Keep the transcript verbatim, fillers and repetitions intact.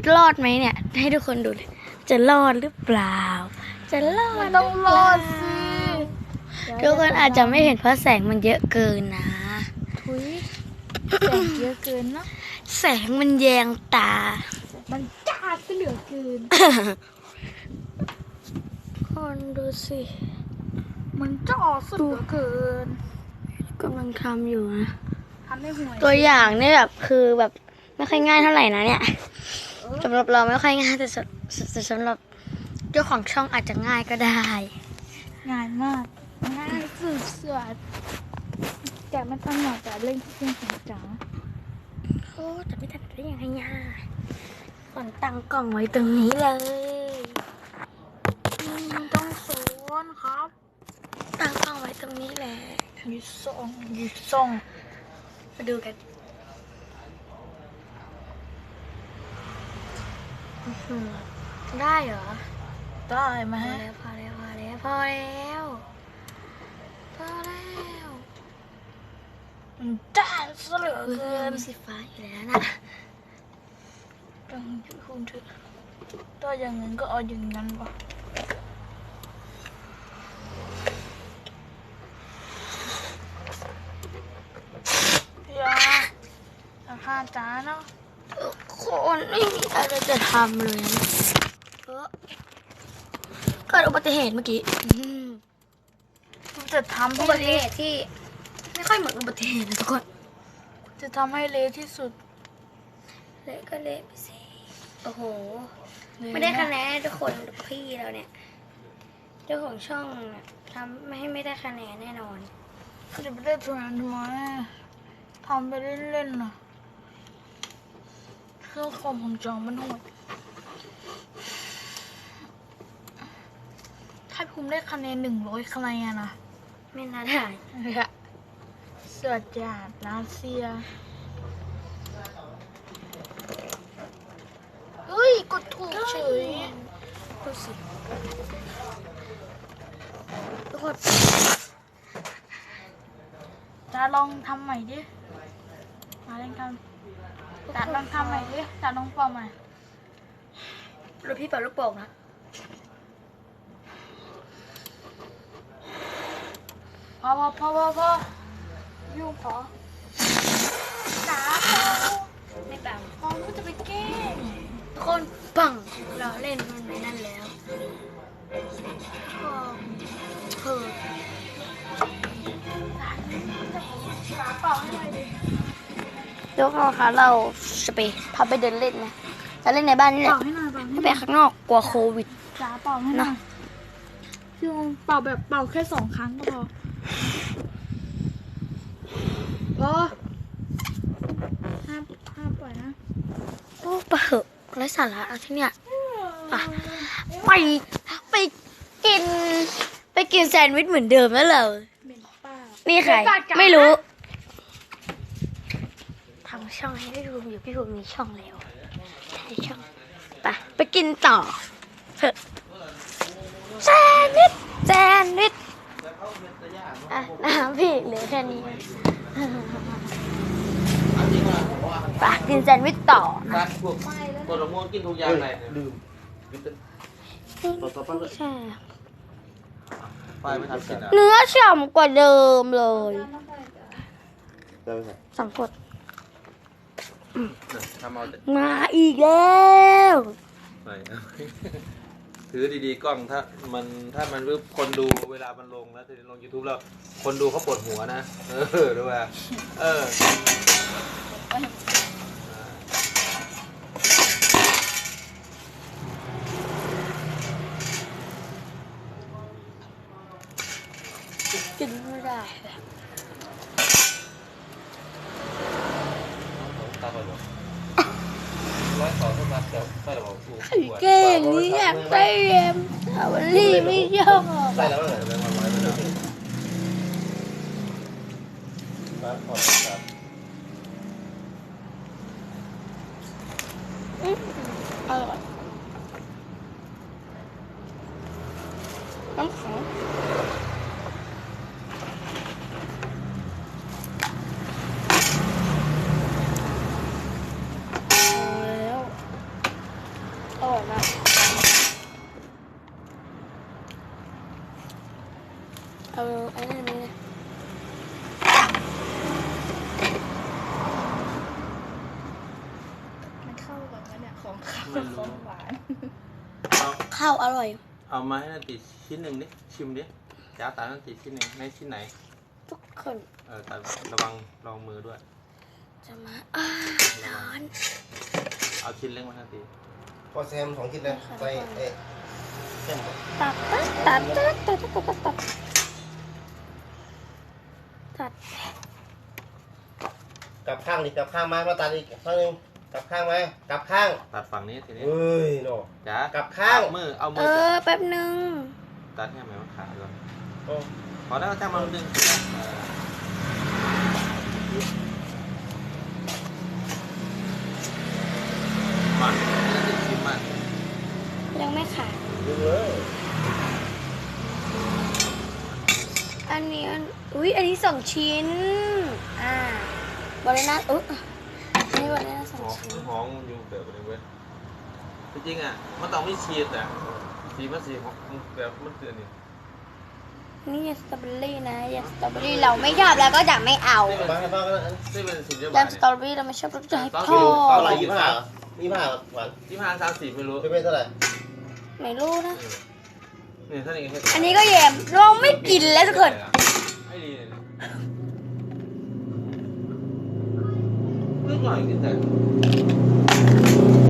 รอดไหมเนี่ยให้ทุกคนดูเลยจะรอดหรือเปล่าจะรอดต้องรอดสิทุกคนอาจจะไม่เห็นเพราะแสงมันเยอะเกินนะทุยแสงเยอะเกินเนาะแสงมันแยงตามันจ้าซะเหลือเกินคนดูสิมันจ้าซะเหลือเกินกำลังทำอยู่นะทำให้ห่วยตัวอย่างนี่แบบคือแบบไม่ค่อยง่ายเท่าไหร่นะเนี่ยสำหรับเราไม่ค่อยง่ายแต่สำแต่สำหรับเจ้าของช่องอาจจะง่ายก็ได้ง่ายมากง่ายสุดๆแต่มันต้องหน่อยแต่เล่นเครื่องของจ๋าโอ้แต่ไม่ทันได้ยังไงเนี่ยก่อนตั้งกล่องไว้ตรงนี้เลยมันต้องสวนครับตั้งกล้องไว้ตรงนี้แหละยูส่งยูส่งมาดูกันอื้อหือได้เหรอได้ไหมพอแล้วพอแล้วพอแล้วพอแล้วพอแล้วมันจ้าซะเหลือเอเกิอน มีสีฟ้าอยู่แล้วนะต้องคุณเถอะถ้าอย่างนั้นก็เอาอย่างนั้นปะอย่าราคาจ้าเนาะคนไม่มีอะไรจะทำเลยนะเออเกิดอุบัติเหตุเมื่อกี้อืมจะทำอุให้บัติเหเละตุที่ ไม่ค่อยเหมือนอุบัติเหตุนะทุกคนจะทำให้เละที่สุดเละก็เละไปสิโอ้โห ไม่ได้คะแนนทุกคนพี่เราเนี่ย เจ้าของช่องน่ะทำไม่ให้ไม่ได้คะแนนแน่นอนก็จะไปเล่นตัวนั้นทำไมทำไปเล่นๆน่ะเครื่องคอมของจองมันโหดถ้าภูมิได้คะแนนหนึ่งร้อยคะแนนนะไม่น่าได้เสือจาดรัสเซียเฮ้ยกดถูกเฉยดูสิทุกคนจะลองทำใหม่ดิมาเล่นกันจะลองทำใหม่ดิจะลองเป่าใหม่รถพี่เป่าลูกโป่งนะพอพอพอพอพอยุ่งพอหนาพอไม่เป่าพอรู้จะไปแกล้งทุกคนปังเราเล่นมันในนั่นแล้วเออหนาเป่าให้หน่อยดิเดี๋ยวเราค่ะเราจะไปพาไปเดินเล่นนะจะเล่นในบ้านนี่แหละเป่าให้หน่อยเป่าให้ไม่หไปน่อยข้างนอกกลัวโควิดหนาเป่าให้หน่อยพี่องเป่าแบบเป่าแค่สองครั้งก็พอพอห้ามห้ามปล่อยนะโอ้ปะเหอะไร้สาระเอาที่เนี่ยอ่ะไปไปกิน ไปกินแซนด์วิชเหมือนเดิมแล้วเหรอเหม็นป้านี่ใครเป็นปากกาไม่รู้ทำช่องให้พี่ภูมิอยู่พี่ภูมิมีช่องแล้วใช่ช่องไปไปกินต่อเถอะแซนด์วิชแซนด์วิชอ่ะน้ำพี่เหลือแค่นี้ไปกินแซนด์วิชต่อรักพวกผลไม้กินทุกอย่างไหนลืมใช่ไปไม่ทำกินอ่ะเนื้อฉ่ำกว่าเดิมเลยสองขวดทำเอาแต่มาอีกแล้วไหนถือดีๆกล้องถ้ามันถ้ามันรูปคนดูเวลามันลงแล้วลง YouTube แล้วคนดูเขาปวดหัวนะเออดูว่าเออกินไม่ได้ตาไปหรอร้อยสองเท่านั้นแต่ไม่หรอกกูเก่งนี่อยากได้เอ็มสาวลี่ไม่ชอบใส่แล้วเหรอแบงค์ร้อยไปแล้วครับขอบคุณครับอร่อยน้ำแข็งแล้วไอ้นั่นนี่นะมันเข้ากันไหมเนี่ยของข้าวไม่กับขรู้องหวานเอาข้าวอร่อยเอามาให้นาตีชิ้นหนึ่งดิชิมดิจ้าตานาตีชิ้นหนึ่งในชิ้นไหนทุกคนเออแต่ระวังลองมือด้วยจะมาอ้าร้อนเอาชิ้นเล็กมานาตีพอแซมสองชิ้นเลยใส่เอ๊ะเส้นตัดตัดตัดตัดตัดตัดตัดตัดตัดกลับข้างดิกลับข้างมามาตัดอีกข้างหนึงกลับข้างมากลับข้างตัดฝั่งนี้ทีนี้เฮ้ยโนจ้ากลับข้างเอมือเอามืเอออแป๊บหนึ่งตัดให้ไหมว่าขาก่อนโอ้พอแล้วจ้างมาดึงมาชิมมายังไม่ขาดดึงเลยอันนี้อันอุ้ยอันนี้สองชิ้นอ่าบอลเลน่าอุ๊ยอันนี้บอลเลน่าสอหงอมชิ้นหอมอยู่แบบนี้เว้ยจริงๆอ่ะมันต้องไม่ชีสอ่ะสีมันสีของแบบมันเตือนนี่นี่สตรอเบอรี่นะยำสตรอเบอรี่เราไม่ชอบแล้วก็จะไม่เอาบ้างให้บ้างก็ได้นี่เป็นสีเดียวยำสตรอเบอรี่เราไม่ชอบเราจะให้พ่อเท่าไหร่ยี่สิบห้าเหรอยี่สิบห้าหวานยี่ห้าสามสี่ไม่รู้เป็นเท่าไหร่ไม่รู้นะนี่ท่านเองอันนี้ก็แยมเราไม่กินแล้วทุกคนไอ้ดีเลยนิดหน่อยกินแต่